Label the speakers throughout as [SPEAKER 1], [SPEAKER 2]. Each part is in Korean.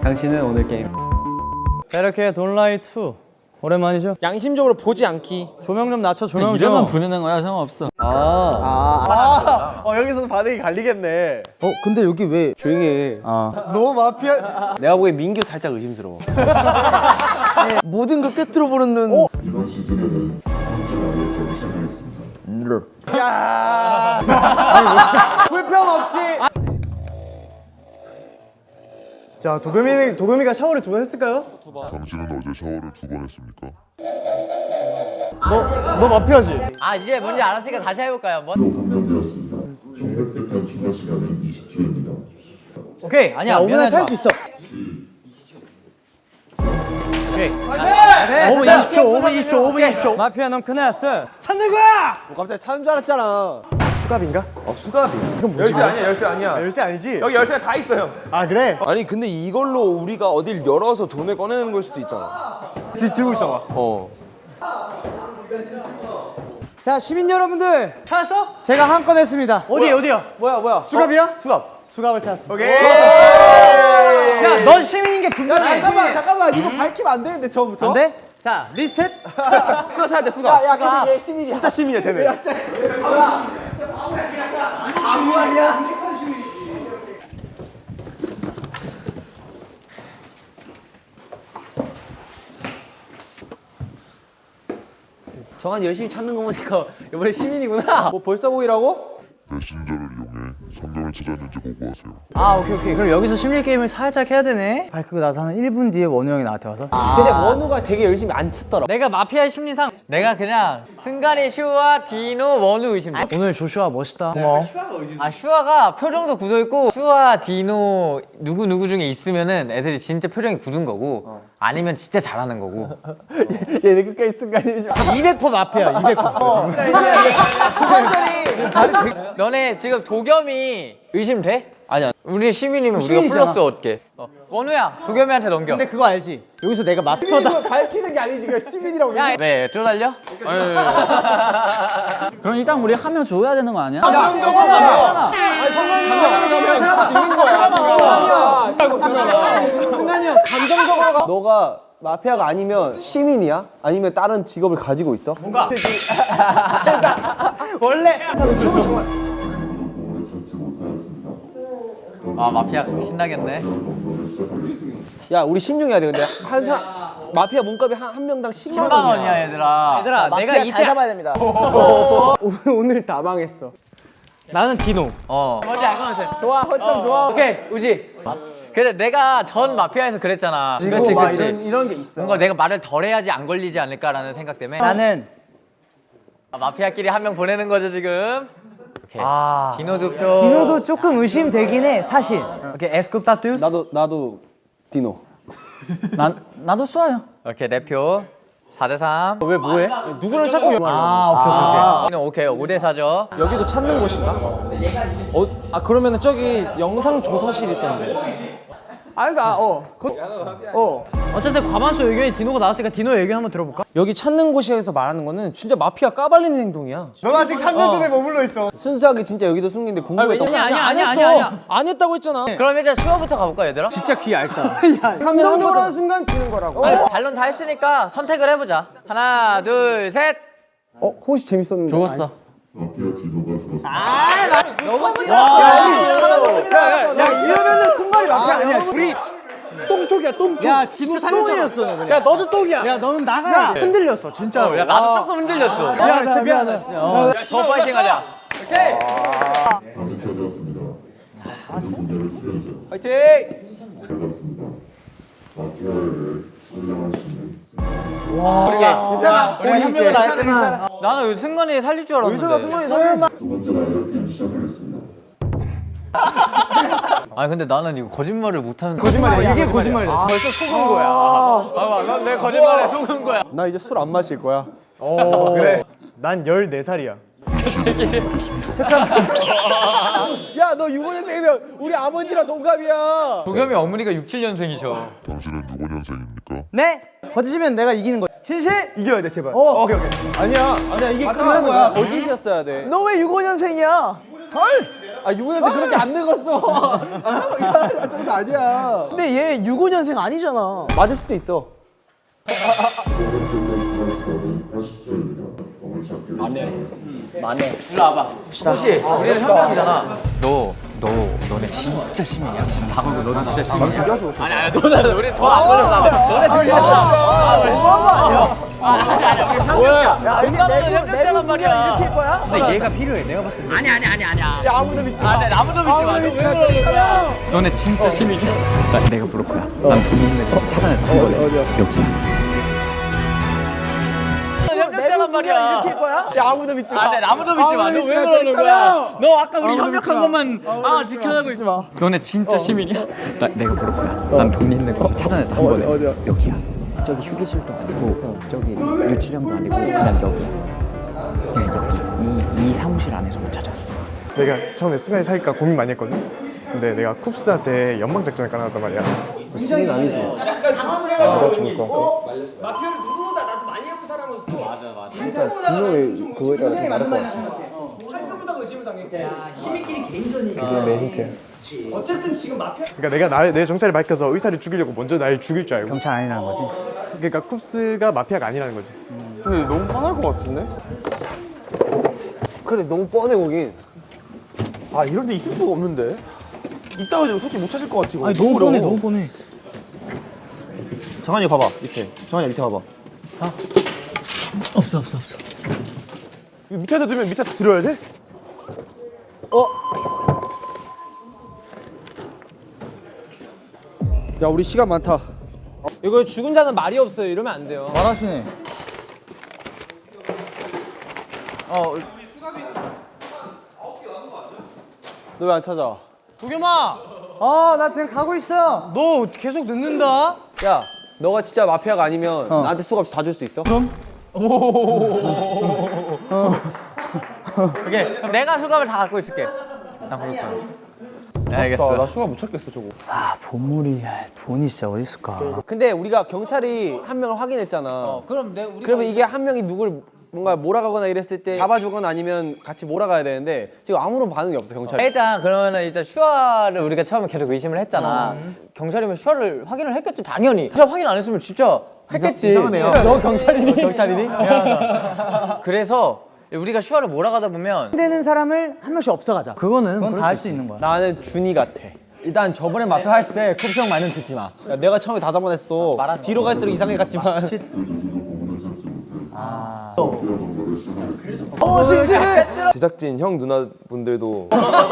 [SPEAKER 1] 당신은 오늘 게임.
[SPEAKER 2] 자, 이렇게 돈라이 2 오랜만이죠?
[SPEAKER 3] 양심적으로 보지 않기.
[SPEAKER 2] 조명 좀 낮춰, 조명 좀.
[SPEAKER 4] 이름만 부르는 거야, 상관없어.
[SPEAKER 1] 여기서도 반응이 갈리겠네.
[SPEAKER 2] 근데 여기 왜
[SPEAKER 1] 조용히 해.
[SPEAKER 2] 너무 마피아.
[SPEAKER 1] 내가 보기엔 민규 살짝 의심스러워.
[SPEAKER 2] 모든 걸 꿰뚫어 보는
[SPEAKER 5] 이번 시즌에는 다음 주 시작하겠습니다.
[SPEAKER 1] 불평 없이.
[SPEAKER 2] 자, 도겸이가 샤워를 2번 했을까요?
[SPEAKER 5] 당신은 어제 샤워를 2번 했습니까?
[SPEAKER 2] 너 마피아지?
[SPEAKER 6] 아 이제 뭔지 알았으니까 다시 해볼까요 한번?
[SPEAKER 5] 판명되었습니다. 총 획득한 추가 시간은 20초입니다.
[SPEAKER 2] 오케이. 아니야, 5분에 찰 수 있어. 5분 20초. 마피아 넌 큰일 났어.
[SPEAKER 1] 찾는 거야! 뭐 갑자기 찾는 줄 알았잖아.
[SPEAKER 2] 수갑인가?
[SPEAKER 1] 수갑이.
[SPEAKER 3] 열쇠 아니야, 열쇠 아니야.
[SPEAKER 2] 열쇠 아니지?
[SPEAKER 3] 여기 열쇠가 다 있어요.
[SPEAKER 2] 아, 그래?
[SPEAKER 1] 아니 근데 이걸로 우리가 어딜 열어서 돈을 꺼내는 걸 수도 있잖아.
[SPEAKER 2] 들고 있어봐. 자, 시민 여러분들. 찾았어? 제가 한 건 했습니다. 어디야?
[SPEAKER 1] 뭐야?
[SPEAKER 2] 수갑이야? 수갑을 찾았어.
[SPEAKER 1] 오케이.
[SPEAKER 2] 야, 넌 시민인 게 분명해.
[SPEAKER 1] 잠깐만. 이거 밝히면 안 되는데 처음부터.
[SPEAKER 2] 안 돼? 자, 리셋.
[SPEAKER 1] 수갑 찾야 돼, 수갑. 야, 근데 얘 시민이야. 진짜 시민이야, 쟤네. 정한 열심히 찾는 거 보니까 이번에 시민이구나. 뭐 벌써 보이라고?
[SPEAKER 5] 메신저를 이용해 성경을 찾았는지 보고하세요.
[SPEAKER 2] 아, 오케이. 그럼 여기서 심리 게임을 살짝 해야 되네. 밝히고 나서 한 1분 뒤에 원우 형이 나한테 와서.
[SPEAKER 1] 근데 원우가 되게 열심히 안 찾더라.
[SPEAKER 6] 내가 마피아의 심리상 내가 그냥 승관이, 슈아, 디노, 원우 의심돼.
[SPEAKER 2] 오늘 조슈아 멋있다.
[SPEAKER 6] 아 슈아가 표정도 굳어있고 슈아, 디노 누구 중에 있으면은 애들이 진짜 표정이 굳은 거고 아니면 진짜 잘하는 거고.
[SPEAKER 1] 얘네 끝까지 순간이
[SPEAKER 2] 200% 마피아, 200%.
[SPEAKER 6] 너네 지금 도겸이 의심돼? 아니야. 우리 시민이면 우리가
[SPEAKER 2] 시민이잖아.
[SPEAKER 6] 플러스 얻게. 원우야 도겸이한테 넘겨.
[SPEAKER 2] 근데 그거 알지? 여기서 내가 마피아다.
[SPEAKER 1] 이거 밝히는 게 아니지. 이거 시민이라고.
[SPEAKER 6] 왜 쪼달려?
[SPEAKER 4] 그럼 일단 우리 한 명 줘야 되는 거 아니야?
[SPEAKER 1] 승관이 형 감정적으로 너가 마피아가 아니면 시민이야? 아니면 다른 직업을 가지고 있어? 뭔가 원래
[SPEAKER 5] 오늘 찾지 못하였습니다.
[SPEAKER 6] 아 마피아 신나겠네.
[SPEAKER 5] 오늘 시작하겠습니다.
[SPEAKER 1] 야 우리 신중해야 돼. 근데 한 사람 마피아 몸값이 한 명당 10만
[SPEAKER 6] 10만 원이야 얘들아.
[SPEAKER 2] 얘들아,
[SPEAKER 1] 내가 잘 잡아야 됩니다. 오늘 다 망했어.
[SPEAKER 2] 나는 디노.
[SPEAKER 6] 뭔지 알 것 같아.
[SPEAKER 1] 좋아, 허점 좋아.
[SPEAKER 6] 오케이 우지. 그래 내가 전 마피아에서 그랬잖아. 그렇지 그렇지.
[SPEAKER 1] 이런 게 있어.
[SPEAKER 6] 뭔가 내가 말을 덜 해야지 안 걸리지 않을까라는 생각 때문에
[SPEAKER 2] 나는
[SPEAKER 6] 마피아끼리 한 명 보내는 거죠 지금. 오케이. 디노 두 표.
[SPEAKER 2] 디노도 조금 의심되긴 해, 사실. 오케이, 에스쿱 따뚜스.
[SPEAKER 1] 나도 디노.
[SPEAKER 4] 나도 쏴요.
[SPEAKER 6] 오케이 네 표. 4대3.
[SPEAKER 1] 왜 뭐해? 누구를 찾고
[SPEAKER 6] 오케이 5대 4죠.
[SPEAKER 3] 여기도 찾는 곳인가? 그러면은 저기 영상 조사실 있던데.
[SPEAKER 2] 어쨌든 과반수 의견이 디노가 나왔으니까 디노 의견 한번 들어볼까?
[SPEAKER 3] 여기 찾는 곳에서 말하는 거는 진짜 마피아 까발리는 행동이야.
[SPEAKER 2] 넌 아직 3년 전에 머물러 있어.
[SPEAKER 1] 순수하게 진짜 여기도 숨긴데 궁금했던 거.
[SPEAKER 2] 아니야.
[SPEAKER 3] 안 했다고 했잖아.
[SPEAKER 6] 그럼 이제 슈아부터 가볼까 얘들아?
[SPEAKER 2] 진짜 귀 얇다.
[SPEAKER 1] 감정적으로 하는 순간 지는 거라고.
[SPEAKER 6] 반론 다 했으니까 선택을 해보자. 하나 둘 셋.
[SPEAKER 1] 호시 재밌었는데.
[SPEAKER 6] 죽었어.
[SPEAKER 5] 마피아 디노가 죽었습니다.
[SPEAKER 1] 야 이러면은 순발이 마피아 아니야. 우리 똥쪽이야 똥쪽.
[SPEAKER 2] 야, 디노 똥이었어. 야, 너도 똥이야. 야, 너는 나가야 돼. 흔들렸어, 진짜로.
[SPEAKER 6] 야 나도 조금 흔들렸어.
[SPEAKER 2] 미안해.
[SPEAKER 6] 더 파이팅하자. 오케이.
[SPEAKER 5] 밤이 켜졌습니다. 모든 분야를 수행하세요.
[SPEAKER 1] 화이팅!
[SPEAKER 5] 반갑습니다. 마피아를 선량하시는
[SPEAKER 1] 괜찮아.
[SPEAKER 6] 우리 한 명은 안 했잖아. 나는 승관이 살릴 줄 알았는데.
[SPEAKER 1] 의사가 승관이 설마.
[SPEAKER 5] 두 번째 라이어 게임 시작하겠습니다.
[SPEAKER 6] 아니 근데 나는 이거 거짓말을 못하는.
[SPEAKER 2] 거짓말이야. 이게 거짓말이야.
[SPEAKER 1] 벌써 속은 거야.
[SPEAKER 6] 봐봐, 내 거짓말에 속은 거야.
[SPEAKER 1] 나 이제 술 안 마실 거야.
[SPEAKER 2] 그래. 난 14살이야.
[SPEAKER 1] 야 너 65년생이면 우리 아버지랑 동갑이야.
[SPEAKER 6] 도겸이 어머니가 67년생이셔.
[SPEAKER 5] 당신은 65년생입니까?
[SPEAKER 2] 네? 거짓이면 내가 이기는 거야. 진실?
[SPEAKER 1] 이겨야 돼 제발.
[SPEAKER 2] 오케이.
[SPEAKER 1] 아니야 이게 끝난 거야. 거짓이었어야 돼.
[SPEAKER 2] 너 왜 65년생이야?
[SPEAKER 1] 아 65년생 그렇게 안 늙었어. 좀 더 아니야.
[SPEAKER 2] 근데 얘 65년생 아니잖아.
[SPEAKER 1] 맞을 수도 있어.
[SPEAKER 6] 일로 와봐. 혹시 우리는 현명이잖아. 너네 진짜 시민이야? 지금 다 걸고 너는 진짜 시민이야? 아니 너는 우리 더안 걸렸어. 너네 진짜 아니야 우리 현명이야. 우리 현명자란 말이야. 이렇게 거야? 근데 얘가 필요해. 내가 봤을 때. 아니야. 야 아무도 믿지 마. 아무도 믿지 마. 너네 진짜 시민이야? 내가 부를 거야. 난 돈 있는 거 찾아내서 한 거래. 여기. 현명자란 말이야.
[SPEAKER 2] 이렇게 거야?
[SPEAKER 1] 야 아무도 믿지 마.
[SPEAKER 6] 아무도 믿지 마. 너 왜 그러는 거야? 너 아까 우리 협력한 것만 지켜내고 있지 마. 너네 진짜 시민이야? 내가 부를 거야. 난 돈 있는 거 찾아내서 한 번에. 여기야. 저기 휴게실도 아니고 저기 유치장도 아니고 그냥 여기야. 그냥 여기. 이 사무실 안에서 못 찾아.
[SPEAKER 7] 내가 처음에 승관이 사귈까 고민 많이 했거든. 근데 내가 쿱스한테 연방 작전을 깔아놨단 말이야.
[SPEAKER 1] 시장이 아니지.
[SPEAKER 7] 내가 좋을 거.
[SPEAKER 1] 진짜 진영의 그거에 따라 좀 다를 것 같아.
[SPEAKER 7] 그게 내 힌트야. 그러니까 내가 내 정체를 밝혀서 의사를 죽이려고 먼저 날 죽일 줄 알고.
[SPEAKER 2] 경찰 아니라는 거지.
[SPEAKER 7] 그러니까 쿱스가 마피아가 아니라는 거지.
[SPEAKER 1] 근데 너무 뻔할 것 같은데? 그래 너무 뻔해 보긴.
[SPEAKER 8] 아 이런데 있을 수가 없는데. 이따 가지고 솔직히 못 찾을 것 같아. 이거.
[SPEAKER 2] 아니 너무 뻔해,
[SPEAKER 8] 어려워.
[SPEAKER 2] 너무 뻔해.
[SPEAKER 8] 정한이 봐봐 밑에. 정한이 밑에 봐봐.
[SPEAKER 4] 없어.
[SPEAKER 8] 이거 밑에다 두면 밑에다 들어야 돼?
[SPEAKER 1] 야 우리 시간 많다.
[SPEAKER 3] 이거 죽은 자는 말이 없어요. 이러면 안 돼요.
[SPEAKER 2] 말하시네.
[SPEAKER 1] 너 왜 안 찾아?
[SPEAKER 2] 도겸아. 나 지금 가고 있어. 너 계속 늦는다.
[SPEAKER 1] 야 너가 진짜 마피아가 아니면 나한테 수갑 다 줄 수 있어?
[SPEAKER 2] 그럼?
[SPEAKER 6] 오케이. 그럼 내가 수갑을 다 갖고 있을게. 나 부를 거야. 네, 알겠어.
[SPEAKER 8] 나 수가 못 찾겠어 저거.
[SPEAKER 2] 보물이 돈이 진짜 어디 있을까?
[SPEAKER 1] 근데 우리가 경찰이 한 명을 확인했잖아.
[SPEAKER 6] 그럼 우리가
[SPEAKER 1] 그러면 이게 한 명이 누굴 뭔가 몰아가거나 이랬을 때 잡아주거나 아니면 같이 몰아가야 되는데 지금 아무런 반응이 없어 경찰.
[SPEAKER 6] 일단 그러면은 일단 슈아를 우리가 처음에 계속 의심을 했잖아. 경찰이면 슈아를 확인을 했겠지 당연히. 슈아 확인 안 했으면 진짜 했겠지.
[SPEAKER 1] 이상하네요.
[SPEAKER 6] 너 경찰이니?
[SPEAKER 1] 경찰이니?
[SPEAKER 6] 그래서 우리가 슈아를 몰아가다 보면
[SPEAKER 2] 되는 사람을 한 명씩 없애가자. 그건 다 할 수 있는 거야.
[SPEAKER 1] 나는 준이 같아.
[SPEAKER 3] 일단 저번에 마피아 했을 때 쿱스 형 말은 듣지 마.
[SPEAKER 1] 야, 내가 처음에 다 잡아냈어. 뒤로 갈수록 이상해 갔지만.
[SPEAKER 8] 제작진 형 누나분들도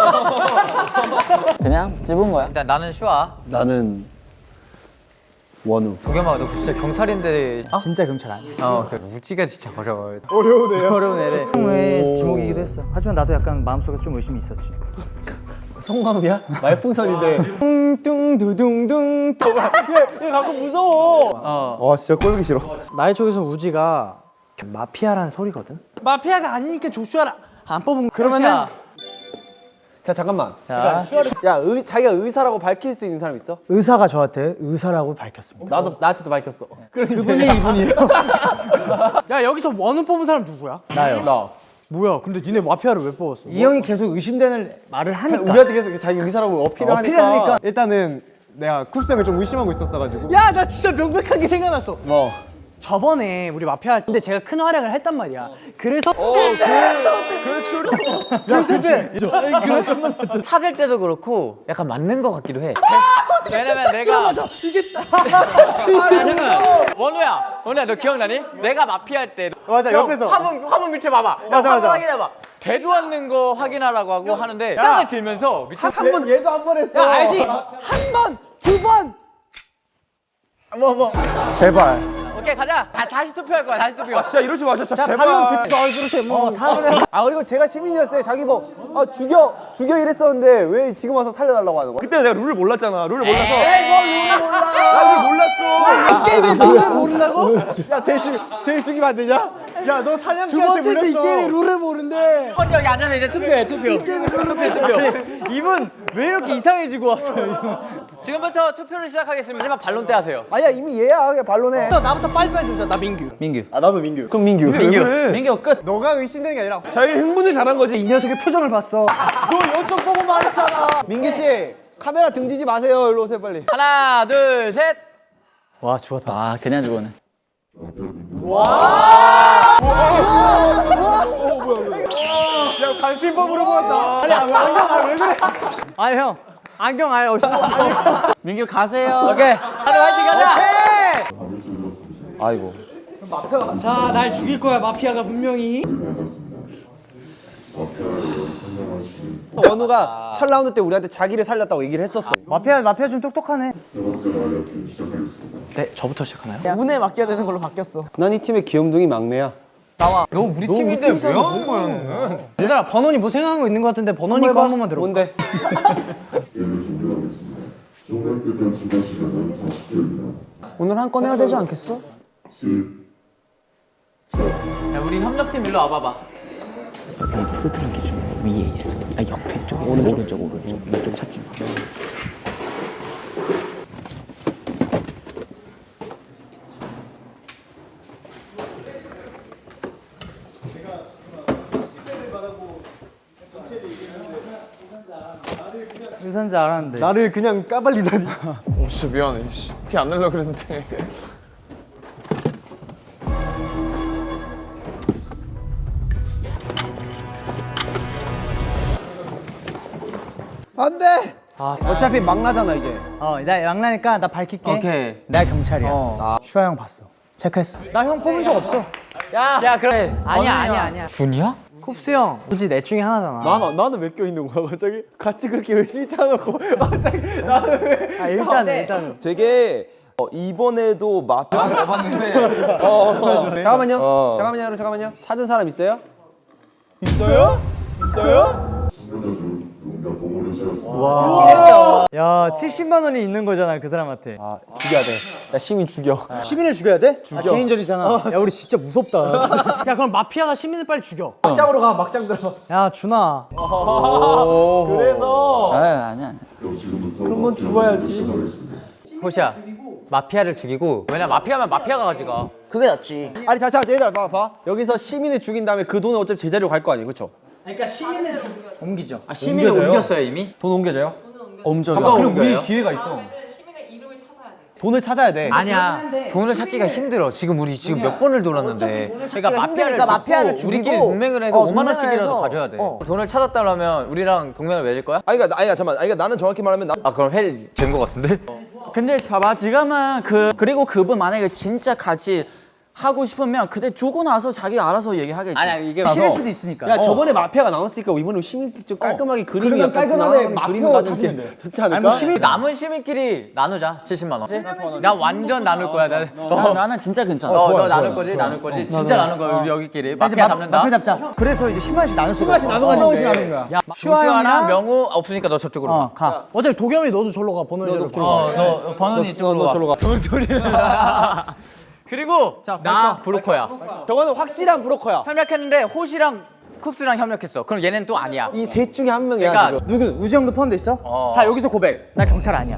[SPEAKER 4] 그냥 찝은 거야.
[SPEAKER 6] 일단 나는 슈아.
[SPEAKER 1] 나는 원우.
[SPEAKER 6] 도겸아 너 진짜 경찰인데
[SPEAKER 2] 진짜 경찰 아니야.
[SPEAKER 6] 그 우지가 진짜 어려워.
[SPEAKER 2] 어려운 애래. 형의 지목이기도 했어. 하지만 나도 약간 마음속에 좀 의심이 있었지.
[SPEAKER 1] 성광이야? 말풍선인데. 뚱뚱두둥둥. 얘 가끔 무서워.
[SPEAKER 8] 와 진짜 꼴보기 싫어.
[SPEAKER 2] 나의 쪽에서 우지가 마피아라는 소리거든. 마피아가 아니니까 조슈아를 안 뽑은. 그러면은
[SPEAKER 1] 자 잠깐만.
[SPEAKER 2] 자
[SPEAKER 1] 야 자기가 의사라고 밝힐 수 있는 사람 있어?
[SPEAKER 2] 의사가 저한테 의사라고 밝혔습니다.
[SPEAKER 1] 나도 나한테도 밝혔어.
[SPEAKER 2] 그분이 이분이에요. 야 여기서 원우 뽑은 사람 누구야?
[SPEAKER 1] 나요. 나.
[SPEAKER 2] 뭐야? 근데 니네 마피아를 왜 뽑았어? 이 형이 계속 의심되는 말을 하니까.
[SPEAKER 1] 우리한테 계속 자기 의사라고 어필을 하니까.
[SPEAKER 7] 일단은 내가 kup스 형을 좀 의심하고 있었어가지고.
[SPEAKER 2] 야 나 진짜 명백하게 생각났어.
[SPEAKER 1] 뭐?
[SPEAKER 2] 저번에 우리 마피아 할 때 제가 큰 활약을 했단 말이야. 그래서
[SPEAKER 6] 찾을 때도 그렇고 약간 맞는 것 같기도 해. 왜냐면 내가 왜냐면 원우야 너 기억나니? 내가 마피아 할 때
[SPEAKER 7] 맞아,
[SPEAKER 6] 형,
[SPEAKER 7] 옆에서.
[SPEAKER 6] 화면 밑에 봐봐.
[SPEAKER 7] 맞아,
[SPEAKER 6] 화면
[SPEAKER 7] 맞아.
[SPEAKER 6] 확인해봐. 대도 않는 거 확인하라고 하고 하는데 짱을 들면서 밑에
[SPEAKER 1] 한 번 얘도 한 번 했어.
[SPEAKER 2] 야 알지? 한 번, 두 번.
[SPEAKER 7] 제발.
[SPEAKER 6] 오케이 가자. 다시 투표할 거야. 다시 투표.
[SPEAKER 8] 진짜 이러지 마 진짜 제발.
[SPEAKER 1] 반론 듣지도 않고 그렇지 뭐 다음에. 아 그리고 제가 시민이었을 때 자기 뭐 죽여 이랬었는데 왜 지금 와서 살려달라고 하는 거야?
[SPEAKER 8] 그때 내가 룰을 몰랐잖아. 룰을 몰라서.
[SPEAKER 1] 룰을 몰라.
[SPEAKER 8] 나 룰 몰랐어.
[SPEAKER 1] 게임에 룰을 모른다고? 야 제일 죽이면 안 되냐?
[SPEAKER 7] 야 너 사냥개한테
[SPEAKER 2] 두 번째인데 이
[SPEAKER 7] 물렸어.
[SPEAKER 2] 게임에 룰을 모르는데.
[SPEAKER 6] 여기 앉아서 이제 투표해. 투표.
[SPEAKER 2] 이분 왜 이렇게 이상해지고 왔어요?
[SPEAKER 6] 지금부터 투표를 시작하겠습니다. 마지막 반론 때 하세요.
[SPEAKER 1] 아니야 이미 얘야 그냥 반론해.
[SPEAKER 2] 나부터 빨리빨리 주자. 나 민규.
[SPEAKER 8] 아 나도 민규.
[SPEAKER 1] 그럼 민규.
[SPEAKER 8] 왜 그래?
[SPEAKER 3] 민규 끝.
[SPEAKER 7] 너가 의심되는 게 아니라
[SPEAKER 8] 자기 흥분을 잘한 거지.
[SPEAKER 2] 이 녀석의 표정을 봤어.
[SPEAKER 1] 민규 씨 카메라 등지지 마세요. 일로 오세요 빨리.
[SPEAKER 6] 하나, 둘, 셋.
[SPEAKER 2] 와 죽었다.
[SPEAKER 4] 아 그냥 죽었네.
[SPEAKER 1] 야 관심법으로 보였다. 아니 왜 그래?
[SPEAKER 2] 아니 형 안경 아예 없어. 민규 가세요.
[SPEAKER 6] 오케이. 하나 화이팅 가자.
[SPEAKER 1] 아이고.
[SPEAKER 2] 자 날 죽일 거야 마피아가 분명히.
[SPEAKER 1] 원우가 첫 라운드 때 우리한테 자기를 살렸다고 얘기를 했었어.
[SPEAKER 2] 마피아 좀 똑똑하네.
[SPEAKER 5] 세 번째 마력 시작하겠습니다.
[SPEAKER 2] 네 저부터 시작하나요?
[SPEAKER 1] 운에 맡겨야 되는 걸로 바뀌었어. 난 이 팀의 귀염둥이 막내야.
[SPEAKER 6] 너 우리 팀인데 왜 한 거야?
[SPEAKER 2] 얘들아 번원이 뭐 생각한 거 있는 거 같은데 번원이 거 한 번만 들어.
[SPEAKER 1] 뭔데?
[SPEAKER 5] 게임을 종료하겠습니다. 종료했던 추가 시간은 40초입니다.
[SPEAKER 1] 오늘 한 건 해야 되지 않겠어?
[SPEAKER 5] 10,
[SPEAKER 6] 야, 우리 협력팀 일로 와봐봐.
[SPEAKER 4] 흐드러 기준 위에 있어. 아 옆에 쪽에 있어. 오른쪽 왼쪽 찾지 마.
[SPEAKER 2] 의사인지 알았는데.
[SPEAKER 7] 나를 그냥 까발리다니.
[SPEAKER 3] 진짜 미안해. 티 안 내려고 그랬는데.
[SPEAKER 1] 안 돼. 어차피 막 나잖아 이제.
[SPEAKER 2] 나 양나니까 나 밝힐게.
[SPEAKER 6] 오케이.
[SPEAKER 2] 나 경찰이야. 슈아 형 봤어. 체크했어. 나 형 뽑은 적 없어.
[SPEAKER 6] 야, 그래.
[SPEAKER 2] 아니야.
[SPEAKER 6] 준이야?
[SPEAKER 2] 쿱스 형. 굳이 내 중에 하나잖아.
[SPEAKER 1] 나는 왜 껴 있는 거야 갑자기? 같이 그렇게 열심히 짜놓고 갑자기 나는 왜?
[SPEAKER 2] 일단은.
[SPEAKER 8] 되게 이번에도 마피아 잡았는데
[SPEAKER 1] 잠깐만요. 잠깐만요. 찾은 사람 있어요?
[SPEAKER 5] 참가자 중 누군가 보물을 찾았습니다.
[SPEAKER 2] 야 70만 원이 있는 거잖아 그 사람한테.
[SPEAKER 1] 아 죽여야 돼. 야 시민 죽여.
[SPEAKER 2] 시민을 죽여야 돼? 죽여. 개인전이잖아. 야 우리 진짜 무섭다. 야 그럼 마피아가 시민을 빨리 죽여.
[SPEAKER 1] 막장으로 가. 막장 들어.
[SPEAKER 2] 야 준아.
[SPEAKER 1] 그래서
[SPEAKER 4] 아니야.
[SPEAKER 5] 그럼 지금부터
[SPEAKER 1] 그런 건 죽어야지.
[SPEAKER 5] 시작하겠습니다.
[SPEAKER 6] 호시야, 마피아를 죽이고. 왜냐 마피아면 마피아가 가져가.
[SPEAKER 1] 그게 낫지. 아니 자 얘들아 봐. 여기서 시민을 죽인 다음에 그 돈은 어차피 제자리로 갈 거 아니에요, 그렇죠?
[SPEAKER 2] 그러니까 시민을 옮기죠.
[SPEAKER 6] 아, 시민을 옮겼어요 이미?
[SPEAKER 1] 돈 옮겨져요?
[SPEAKER 6] 엄청.
[SPEAKER 1] 그럼 우리 기회가 있어. 돈을 찾아야 돼.
[SPEAKER 6] 아니야. 돈을 찾기가 힘들어. 지금 우리 몇 번을 돌았는데. 그러니까 마피아를 죽이고 우리끼리 동맹을 해서 5만 원씩이라도 가져야 돼. 돈을 찾았다면 우리랑 동맹을 맺을 거야?
[SPEAKER 8] 그러니까 나는 정확히 말하면
[SPEAKER 6] 아 그럼 해된 거 같은데?
[SPEAKER 4] 근데 봐봐 지금은 그리고 그분 만약에 진짜 같이 하고 싶으면 그때 주고 나서 자기 알아서 얘기하겠지.
[SPEAKER 6] 아니야 이게
[SPEAKER 2] 싫을 수도 있으니까.
[SPEAKER 1] 야 저번에 마피아가 나왔으니까 이번에 시민 좀 깔끔하게 그림이
[SPEAKER 2] 그러면
[SPEAKER 1] 약간
[SPEAKER 2] 깔끔하게
[SPEAKER 1] 나가는
[SPEAKER 2] 마피아가
[SPEAKER 1] 그림을
[SPEAKER 2] 찾으면
[SPEAKER 1] 가지고
[SPEAKER 2] 돼.
[SPEAKER 1] 좋지 않을까?
[SPEAKER 6] 남은 시민끼리 나누자 70만 원. 나 완전 나눌 거야.
[SPEAKER 4] 나는 진짜 괜찮아.
[SPEAKER 6] 너 나눌 거지? 진짜 나눌 거야 우리 여기끼리. 마피아 잡는다.
[SPEAKER 2] 마피아 잡자. 그래서 이제 10만 원씩 나눌 거야. 10만 원씩 나누는 거야. 야
[SPEAKER 6] 슈아랑 명우 없으니까 너 저쪽으로 가.
[SPEAKER 2] 가. 어차피 도겸이 너도 절로 가. 번호 저로 가.
[SPEAKER 6] 너 번원이 이쪽으로 와.
[SPEAKER 1] 저로 가.
[SPEAKER 6] 그리고 나 브로커야.
[SPEAKER 1] 저거는 확실한 브로커야.
[SPEAKER 6] 협력했는데 호시랑 쿱스랑 협력했어. 그럼 얘는 또 아니야.
[SPEAKER 1] 이 셋 중에 한 명이야.
[SPEAKER 6] 그러니까
[SPEAKER 1] 지금.
[SPEAKER 2] 누구? 우지 형도 포함돼 있어? 자 여기서 고백. 나 경찰 아니야.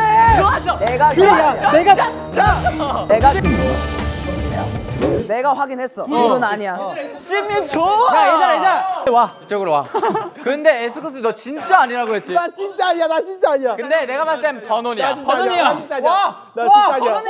[SPEAKER 1] 내가 확인했어. 이건 아니야.
[SPEAKER 6] 시민 줘. 야 얘들아 와 이쪽으로 와. 근데 에스쿱스 너 진짜 아니라고 했지.
[SPEAKER 1] 나 진짜 아니야.
[SPEAKER 6] 근데 내가 봤을 땐 번원이야.
[SPEAKER 1] 나 진짜 아니야.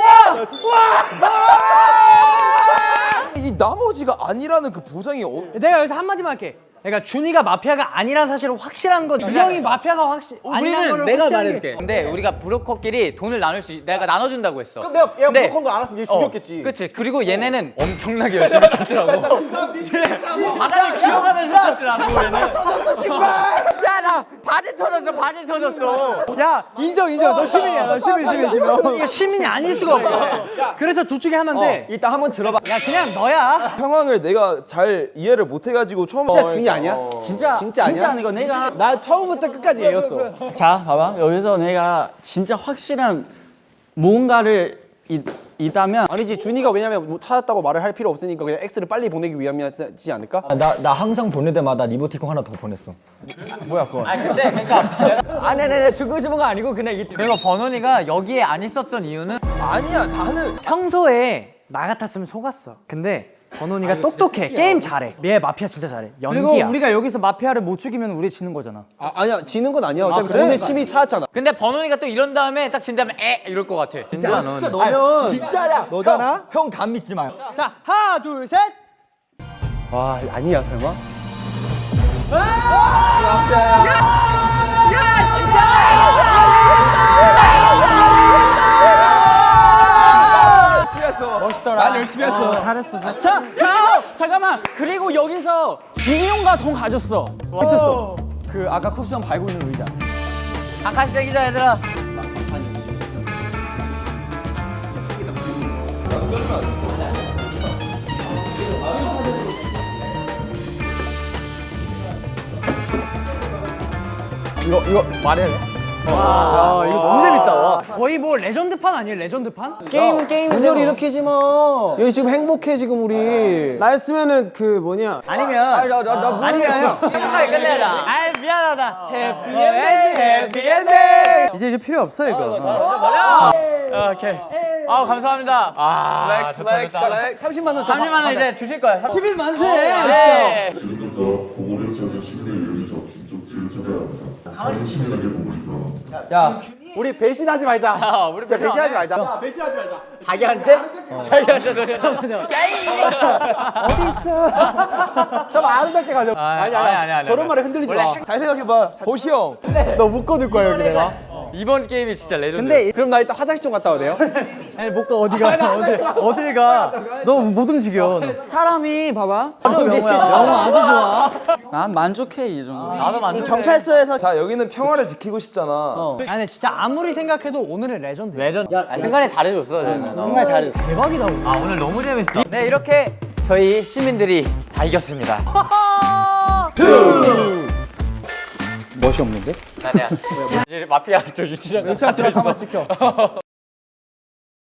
[SPEAKER 8] 이 나머지가 아니라는 그 보장이
[SPEAKER 2] 내가 여기서 한 마디만 할게. 그러니까 준이가 마피아가 아니란 사실을 확실한 건 이 형이 마피아가 아니란
[SPEAKER 6] 우리는
[SPEAKER 2] 거를
[SPEAKER 6] 내가
[SPEAKER 2] 확실하게.
[SPEAKER 6] 말해줄게. 근데 우리가 브로커끼리 돈을 나눌 내가 나눠준다고 했어.
[SPEAKER 1] 그럼 내가 얘가
[SPEAKER 6] 근데-
[SPEAKER 1] 브로커인 거 알았으면 얘 죽였겠지.
[SPEAKER 6] 그치. 그리고 얘네는 엄청나게 열심히 찾더라고. 바닥을 기어가면서 찾더라고 얘는. 터졌어 신발. 야나 바지 터졌어.
[SPEAKER 2] 야 인정. 너 시민이야. 너 시민. 이게 시민이 아닐 수가 없어. 그래서 둘 중에 하나인데
[SPEAKER 6] 일단 한번 들어봐.
[SPEAKER 2] 야 그냥 너야.
[SPEAKER 8] 상황을 내가 잘 이해를 못 해가지고 처음
[SPEAKER 1] 진짜 준이 아니야?
[SPEAKER 4] 진짜
[SPEAKER 1] 아니야?
[SPEAKER 4] 아니고 내가
[SPEAKER 1] 나 처음부터 끝까지 얘였어.
[SPEAKER 4] 자 봐봐 여기서 내가 진짜 확실한 뭔가를 있다면
[SPEAKER 1] 아니지 준이가 왜냐면 뭐 찾았다고 말을 할 필요 없으니까 그냥 X를 빨리 보내기 위함이지 않을까?
[SPEAKER 9] 나 항상 보낼 때마다 리모티콘 하나 더 보냈어.
[SPEAKER 1] 뭐야 그거?
[SPEAKER 6] 아 근데 그러니까
[SPEAKER 9] 아네네네 주고 싶은 거 아니고 그냥 이게.
[SPEAKER 6] 그리고 번원이가 여기에 안 있었던 이유는
[SPEAKER 8] 아니야 나는
[SPEAKER 2] 평소에 나 같았으면 속았어. 근데 번훈이가 똑똑해. 게임 잘해. 얘 마피아 진짜 잘해. 연기야. 그리고 우리가 여기서 마피아를 못 죽이면 우리 지는 거잖아.
[SPEAKER 1] 아니야 지는 건 아니야. 어차피 돈의 심이 찾았잖아.
[SPEAKER 6] 근데 번훈이가 또 이런 다음에 딱 진 다음에 이럴 것 같아. 진짜
[SPEAKER 1] 너면
[SPEAKER 9] 진짜야.
[SPEAKER 1] 너잖아.
[SPEAKER 9] 형 감 믿지 마요.
[SPEAKER 2] 자, 하나, 둘, 셋.
[SPEAKER 1] 와 아니야 설마?
[SPEAKER 2] 멋있더라. 난 열심히 했어. 잘했어. 자, 그리고 잠깐만. 그리고 여기서 진용과 돈 가졌어. 있었어.
[SPEAKER 9] 그 아까 쿱스 형 밟고 있는 의자.
[SPEAKER 6] 아카시 대기자 얘들아.
[SPEAKER 1] 이거 말해야 돼? 야 이거 너무 재밌다. 와.
[SPEAKER 2] 거의 뭐 레전드판 아니에요? 레전드판?
[SPEAKER 1] 게임은 분열 일으키지 마. 여기 지금 행복해 지금 우리.
[SPEAKER 2] 나였으면은 그 뭐냐? 아니면
[SPEAKER 1] 나 모르겠어.
[SPEAKER 6] 행복하게 끝내자.
[SPEAKER 2] 아 미안하다. 해피엔딩.
[SPEAKER 1] 이제 필요 없어 이거.
[SPEAKER 6] 오케이. 아 감사합니다. 아
[SPEAKER 1] 플렉스. 30만 원.
[SPEAKER 6] 30만 원 이제 주실 거예요.
[SPEAKER 2] 10일 만세.
[SPEAKER 6] 네.
[SPEAKER 5] 지금부터 보고를 써서 시민의 의를 적힌 쪽지를 찾아야 합니다. 사인 시민에게 보고를 들어.
[SPEAKER 1] 야 우리 배신하지 말자.
[SPEAKER 6] 우리
[SPEAKER 1] 진짜 배신하지 말자.
[SPEAKER 6] 자기한테? 자기한테 소리.
[SPEAKER 1] 어디 있어? 좀 아름답게 가자.
[SPEAKER 6] 아니.
[SPEAKER 1] 저런 말에 흔들리지 마. 잘 생각해봐. 보시 형. 너 묶어둘 거야 여기 내가.
[SPEAKER 6] 이번 게임이 진짜 레전드.
[SPEAKER 1] 근데 그럼 나 이따 화장실 좀 갔다 와도 돼요?
[SPEAKER 2] 아니 못 가 어디 가? 어딜 가?
[SPEAKER 1] 너 못 움직여.
[SPEAKER 4] 사람이 봐봐.
[SPEAKER 2] 영화 아주 좋아.
[SPEAKER 4] 난 만족해 이 정도.
[SPEAKER 6] 나도 만족.
[SPEAKER 1] 경찰서에서 자 여기는 평화를 지키고 싶잖아.
[SPEAKER 2] 아니 진짜 아무리 생각해도 오늘은 레전드.
[SPEAKER 6] 생각이 잘해줬어. 저는.
[SPEAKER 2] 정말 잘해. 대박이다.
[SPEAKER 6] 아 오늘 너무 재밌었다. 네 이렇게 저희 시민들이 다 이겼습니다.
[SPEAKER 1] 멋이 없는데?
[SPEAKER 6] 아니야. 이제 마피아 저 유치장.
[SPEAKER 1] 잠깐만 지켜.